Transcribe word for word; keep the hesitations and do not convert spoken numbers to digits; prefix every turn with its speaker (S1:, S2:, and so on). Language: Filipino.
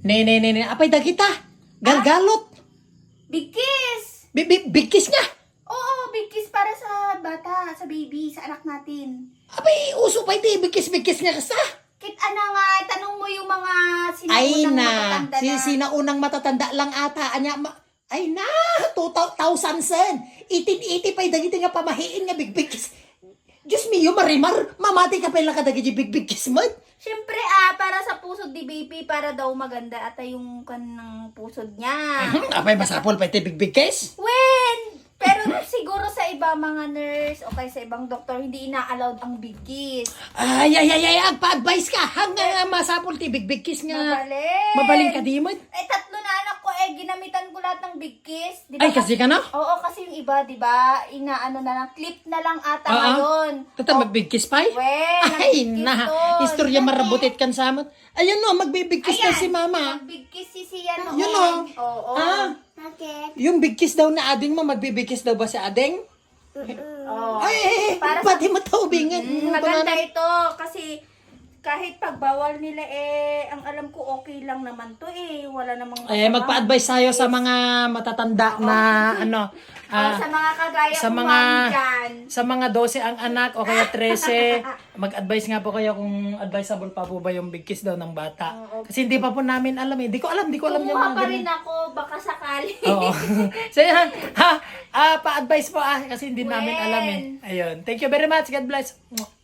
S1: Ne, ne, ne, ne. Apay dagita. Galgalot.
S2: Big kiss!
S1: Bi- bi- Big kiss nga.
S2: Oo, big kiss para sa bata, sa baby, sa anak natin.
S1: Apay, uso pa iti. Big kiss, big kiss nga kasta.
S2: Kit ana nga, tanong mo yung mga
S1: Ay
S2: sinaunang
S1: na.
S2: matatanda
S1: Si
S2: na.
S1: sinaunang matatanda lang ata. Anya, ma- ay na. two thousand sen. Itin-iti pa'y dagiti nga pamahiin nga big big kiss. Diyos miyo, marimar. Mamati ka pala kadagiti big big kiss mo.
S2: Siyempre ah, para sa pusod ni baby, para daw maganda at yung kanang pusod niya.
S1: Apay, masapol pa iti big big kiss.
S2: When? Pero siguro sa iba mga nurse o kaya sa ibang doktor, hindi ina-allowed ang big kiss.
S1: Ay, ay, ay, ay, agpa-advise ka. Hanggang nga masapol ti big big kiss nga.
S2: Mabaling.
S1: Mabaling ka di mo.
S2: Eh, tatlo na anak ko, eh, ginamitan ko lahat ng big kiss. Di ba?
S1: Ay, kasi ka na?
S2: Oo, kasi yung iba, di ba, inaano na lang, clip na lang ata
S1: Oo.
S2: ngayon.
S1: Tata, mag-big kiss pa eh.
S2: Wen,
S1: Ay,
S2: nag-big kiss
S1: na.
S2: doon.
S1: Istorya
S2: Yan
S1: marabutit kan sa amin. Ayan no, magbibig kiss na
S2: Ayan,
S1: si mama.
S2: Mag-big kiss si siya noon.
S1: Yun o.
S2: Oo.
S1: Ah,
S2: Bakit?
S1: yung big kiss daw na ading mo, magbibig kiss daw ba si ading?
S2: Oo.
S1: Ay, ay, ay,
S2: Para sa-
S1: pati mataubingan.
S2: Mm, maganda ito kasi kahit pagbawal nila eh, ang alam ko okay lang naman to eh. Wala namang
S1: Eh,
S2: masama.
S1: magpa-advise tayo sa mga matatanda na ano,
S2: Oh,
S1: ah,
S2: sa mga kagaya
S1: sa
S2: kong
S1: mga
S2: mami dyan.
S1: sa mga twelve ang anak o kaya thirteen, mag-advise nga po kayo kung advisable pa po ba yung big kiss daw ng bata. Kasi hindi pa po namin alam eh. Hindi ko alam, hindi ko alam yung
S2: Kumuha
S1: mga
S2: pa
S1: ganun.
S2: rin ako, baka sakali.
S1: Oo. So yan, ha, ah, pa-advise po ah, kasi hindi namin
S2: Wen.
S1: alam eh. Ayun. Thank you very much. God bless.